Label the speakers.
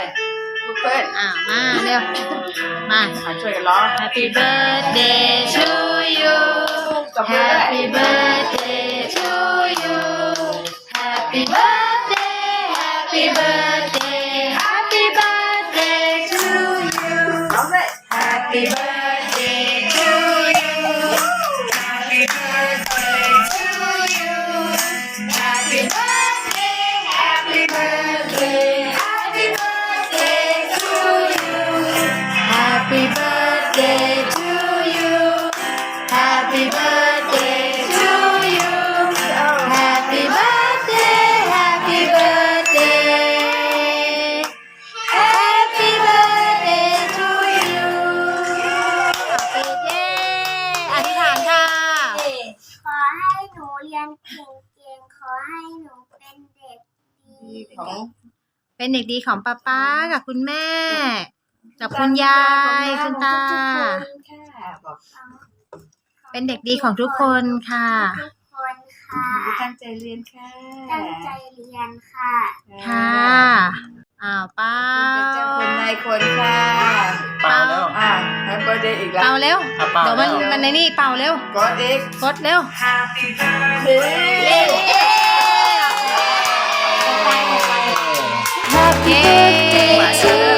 Speaker 1: ลูกเพื่อน
Speaker 2: มาเร็วมา
Speaker 1: ช่วยกันร้อง
Speaker 2: Happy birthday to you Happy birthday to you Happy birthday Happy birthday Happy birthday to you
Speaker 1: ร้องเลย
Speaker 2: Happy birthday to you Happy birthday to you Happy birthday Happy birthday Happy birthday to you Happy birthday to you Happy birthday to you Happy birthday Happy birthday Happy birthday to you เย้อธิษฐานค่ะ
Speaker 3: ขอให้หนูเรียนเก่งๆ ขอให้หนูเป็นเด็กดี
Speaker 1: ของ
Speaker 2: เป็นเด็กดีของป๊าป๊ากับคุณแม่กับคุณยายคุณตา
Speaker 1: ค่ะบอก
Speaker 2: เป็นเด็กดีของทุกคนค่ะ
Speaker 3: ทุกคนค่ะ
Speaker 1: ตั้งใจเรียนค่ะ
Speaker 3: ตั้งใจเรียนค่ะ
Speaker 2: ค่ะป้า
Speaker 1: เป็นเจ้าคนนายคนค่ะ
Speaker 4: เปล่าแล้ว
Speaker 1: แฮปปี้เดย์อีกแล้ว
Speaker 2: เป่าเร็ว
Speaker 4: เปล่า
Speaker 2: เดี๋ยว
Speaker 4: แล้ว
Speaker 2: มันในนี่เป่าเร็ว
Speaker 1: กดอีก
Speaker 2: กดเร็ว
Speaker 1: เฮ้
Speaker 2: Happy birthday to